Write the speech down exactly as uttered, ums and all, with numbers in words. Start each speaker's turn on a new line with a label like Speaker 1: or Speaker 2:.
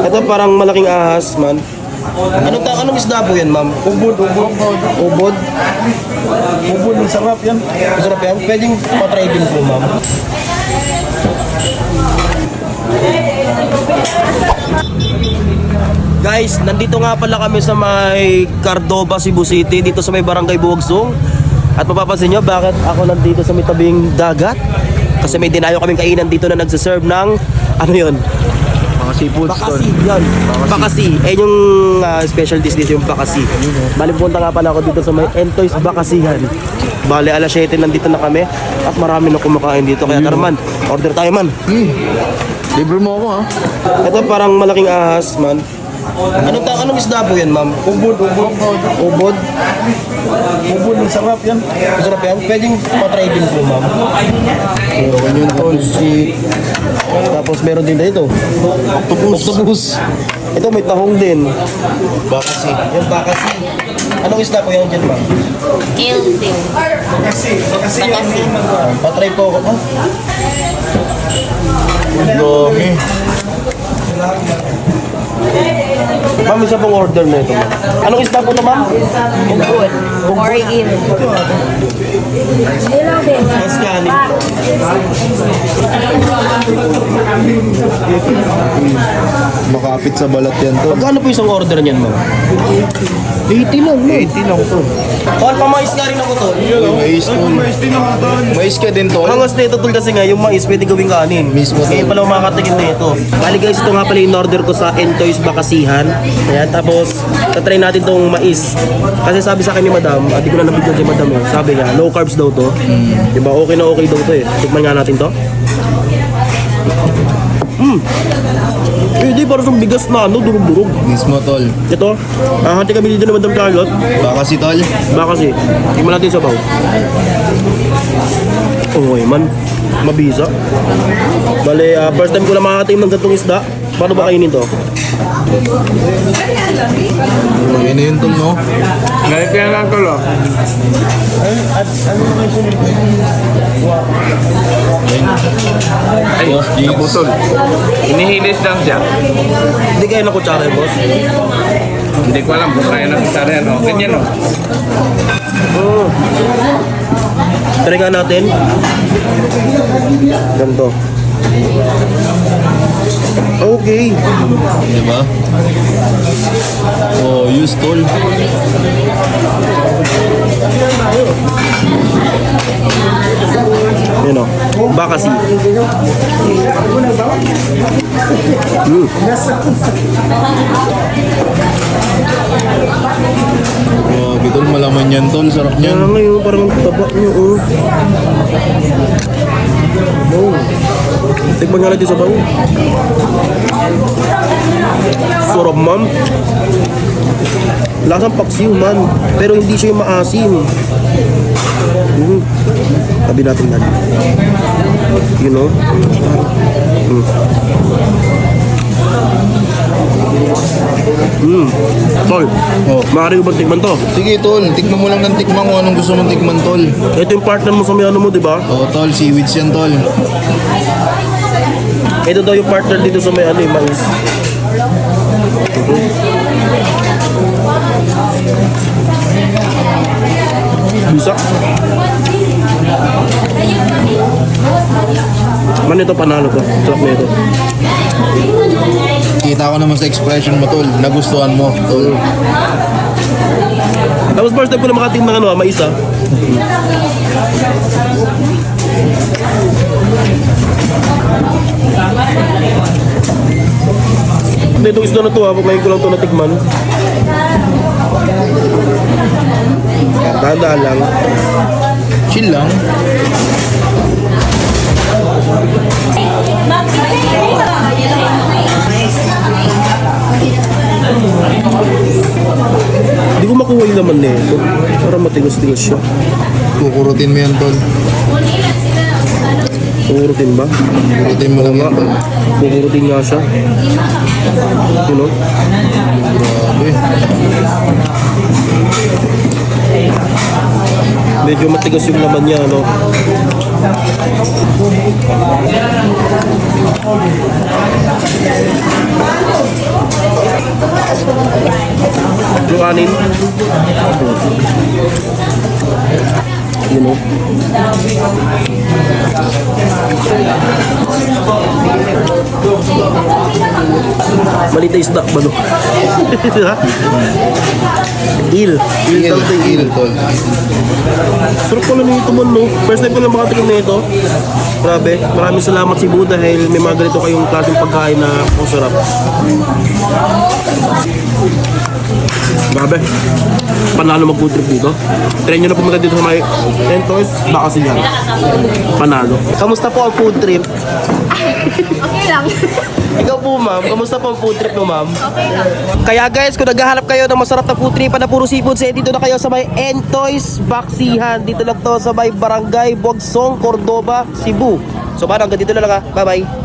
Speaker 1: Ito parang malaking ahas, man. Anong, ta anong isda po yan, ma'am?
Speaker 2: Ubod, ubod.
Speaker 1: Ubod?
Speaker 2: Ubod, ang sarap yan.
Speaker 1: Masarap yan? Pwedeng patry din po, ma'am. Guys, nandito nga pala kami sa may Cardova, Cebu City, dito sa may Barangay Buwagsong. At mapapansin nyo, bakit ako nandito sa may tabing dagat? Kasi may dinayo kaming kainan dito na nagsaserve ng, ano yun?
Speaker 2: Mga seafood
Speaker 1: Bakasi, yan. Bakasi. Eh yung uh, special dish dito yung bakasi. Bali punta nga pala ako dito sa may Entoy's Bakasihan. Bali alas siyete nandito na kami at marami na kumakain dito. Kaya tara man, order tayo man.
Speaker 2: Hmm. Libre mo ako ha.
Speaker 1: Ito parang malaking ahas man. Anong, ta anong isda po yan, ma'am?
Speaker 2: Ubod, ubod.
Speaker 1: Ubod?
Speaker 2: Ubod, ang sarap yan.
Speaker 1: Masarap yan? Pwedeng patry din po, ma'am.
Speaker 2: Meron yun tol.
Speaker 1: Si... Tapos meron din dito.
Speaker 2: Octopus.
Speaker 1: Octopus. Ito may tahong din.
Speaker 2: Bakasi.
Speaker 1: Yung bakasi. Anong isda po yan dyan, ma'am?
Speaker 3: Eldin. Bakasi.
Speaker 1: Patry po ako. Ah,
Speaker 2: Dami.
Speaker 1: ma'am, isa pong order na ito, ma'am. Anong isda po na, ma'am?
Speaker 3: Ubod. Or in.
Speaker 1: Mas kanin.
Speaker 2: Makapit sa balat yan tol.
Speaker 1: Magkano po isang order niyan, ma'am? eighty lang, ma'am.
Speaker 2: eighty lang tol.
Speaker 1: Tol, pamais nga rin ako, tol.
Speaker 2: Mais tol. Mais ka din tol.
Speaker 1: Hangas na ito, tol, kasi nga yung mais pwede gawing kanin.
Speaker 2: Mismo, tol.
Speaker 1: Ngayon pala makakatigil na ito. Bali guys, ito nga pala yung order ko sa Entoy's Bakasihan. Ayan, tapos tatry natin tong mais. Kasi sabi sa akin ni madam, at di ko na nabigyan si madam eh. Sabi niya, low carbs daw to. Diba, okay na okay daw to eh. Tikman nga natin to. Hmm. Eh, di parang yung bigas na ano, durog-durog.
Speaker 2: Mismo tol.
Speaker 1: Ito, ahati kami dito ni Madam Charlotte.
Speaker 2: Bakasi tol.
Speaker 1: Baka kasi, tingnan natin sa baw. Okay man, mabisa. Bale, uh, first time ko na makakatim ng gantong isda. Paano ba kainin to?
Speaker 2: Ano yun tol no?
Speaker 4: Ngayon kaya lang tol oh. Ay, naputol. Inihilis lang siya.
Speaker 1: Hindi kayo na kutsara, boss.
Speaker 4: Hindi ko alam kung kaya na kutsara yan oh. Ganyan oh.
Speaker 1: Oh. Try nga natin. Ganito. Okay.
Speaker 2: Diba? Oh, use tol.
Speaker 1: Yun o. Bakasi. Mm.
Speaker 2: Grabe tol, malaman yan tol. Sarap
Speaker 1: Kaya
Speaker 2: niyan.
Speaker 1: ngayon parang taba nyo oh. Oh. Tikman nga natin sa bawo. Sarap, ma'am. Lasang paksiw, man. Pero hindi siya yung maasim. Mm. Tabi natin natin. You know? Mm. Mm. Tol,
Speaker 2: Oh.
Speaker 1: maaari ko bang tikman to?
Speaker 2: Sige tol, tikman mo lang ng tikman kung anong gusto mong tikman tol.
Speaker 1: Ito yung partner mo sa may ano mo, di ba?
Speaker 2: Oh tol, seaweeds yan tol.
Speaker 1: Ito daw yung partner dito sa may ano, yung mais. Bisa. Man, ito panalo ko. Sarap na ito.
Speaker 2: Kita ko naman sa expression mo tol, nagustuhan mo tol.
Speaker 1: Tapos first time ko na makating ng ano, ah, mais ah. Hindi, itong isda na ito ha, pag ngayon ko lang ito natikman. Tanda lang.
Speaker 2: Chill lang. Hindi ko makuha yung laman na ito. Para matigas-tigas siya. Kukurutin mo yan tol.
Speaker 1: Kukurutin ba?
Speaker 2: Kukurutin mo lang yan tol.
Speaker 1: Kukurutin nga siya. You know?
Speaker 2: Grabe.
Speaker 1: Medyo matigas yung laman niya, ano? kanin. You know. Malita isda ba no? Il. Il
Speaker 2: Il,
Speaker 1: tawag ito,
Speaker 2: il, tol.
Speaker 1: Sarap pala nito man, no? First time ko lang makatikim na ito. Grabe. Maraming salamat si Buddha dahil may mga ganito kayong klaseng pagkain na ang sarap. Grabe. Panalo mag-food trip dito. Try nyo na pumunta dito sa may Entoys, baka sila. Panalo. Kamusta po ang food trip?
Speaker 3: Okay lang.
Speaker 1: Ikaw po, ma'am. Kamusta po ang food trip mo, ma'am?
Speaker 3: Okay lang.
Speaker 1: Kaya guys, kung naghahanap kayo ng masarap na food trip na puro seafood, eh, dito na kayo sa may Entoys Baksihan. Dito lang to sa may Barangay Buagsong, Cordoba, Cebu. So paano, hanggang dito na lang ha. Bye-bye.